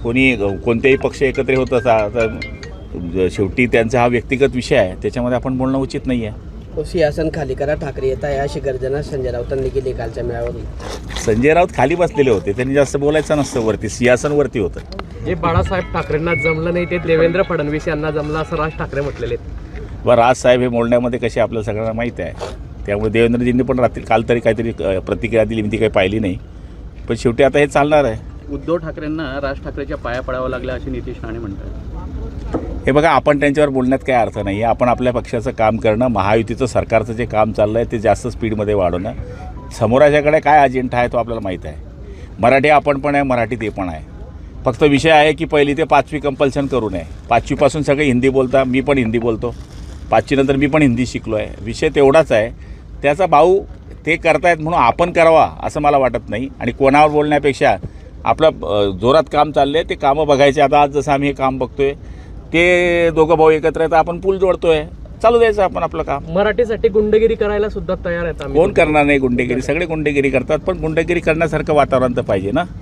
कोणी कोणतेही पक्ष एकत्र होत असा तर शेवटी त्यांचा हा व्यक्तिगत विषय आहे, त्याच्यामध्ये आपण बोलणं उचित नाही आहे. सिंहासन खाली करा, ठाकरे येत आहे अशी गर्जना संजय राऊतांनी केली कालच्या मेळाव्यात. संजय राऊत खाली बसलेले होते, त्यांनी जास्त बोलायचं नसतं, वरती सिंहासनवरती होतं. जे बाळासाहेब ठाकरेंना जमलं नाही ते देवेंद्र फडणवीस यांना जमलं असं राज ठाकरे म्हटलेले आहेत. व राजसाहेब हे बोलण्यामध्ये कसे आपल्याला सगळ्यांना माहीत आहे, त्यामुळे देवेंद्रजींनी पण रात्री काल तरी काहीतरी प्रतिक्रिया दिली, मी ती काही पाहिली नाही, पण शेवटी आता हे चालणार आहे. उद्धव ठाकरेंना राज ठाकरेच्या पाया पडावं लागलं असे नितीश राणे म्हणतात. हे बघा, आपण त्यांच्यावर बोलण्यात काही अर्थ नाही आहे. आपण आपल्या पक्षाचं काम करणं, महायुतीचं सरकारचं जे काम चाललं आहे ते जास्त स्पीडमध्ये वाढवणं, समोराच्याकडे काय अजेंडा आहे तो आपल्याला माहीत आहे. मराठी आपण पण आहे, मराठी ते पण आहे. फक्त विषय आहे की पहिली ते 5वी कंपल्शन करू नये. 5वीपासून सगळे हिंदी बोलता, मी पण हिंदी बोलतो, 5वी नंतर मी पण हिंदी शिकलो आहे. विषय तेवढाच आहे. त्याचा भाऊ ते करतायत म्हणून आपण करावा असं मला वाटत नाही. आणि कोणावर बोलण्यापेक्षा आपलं जोरात काम चाललं आहे ते कामं बघायचे. आता आज जसं आम्ही हे काम बघतोय ते दोघं भाऊ एकत्र आहेत, आपण पूल जोडतोय, चालू द्यायचं आपण आपलं काम. मराठीसाठी गुंडगिरी करायला सुद्धा तयार आहेत आम्ही. कोण करणार नाही गुंडेगिरी? सगळे गुंडेगिरी करतात, पण गुंडेगिरी करण्यासारखं वातावरण तर पाहिजे ना.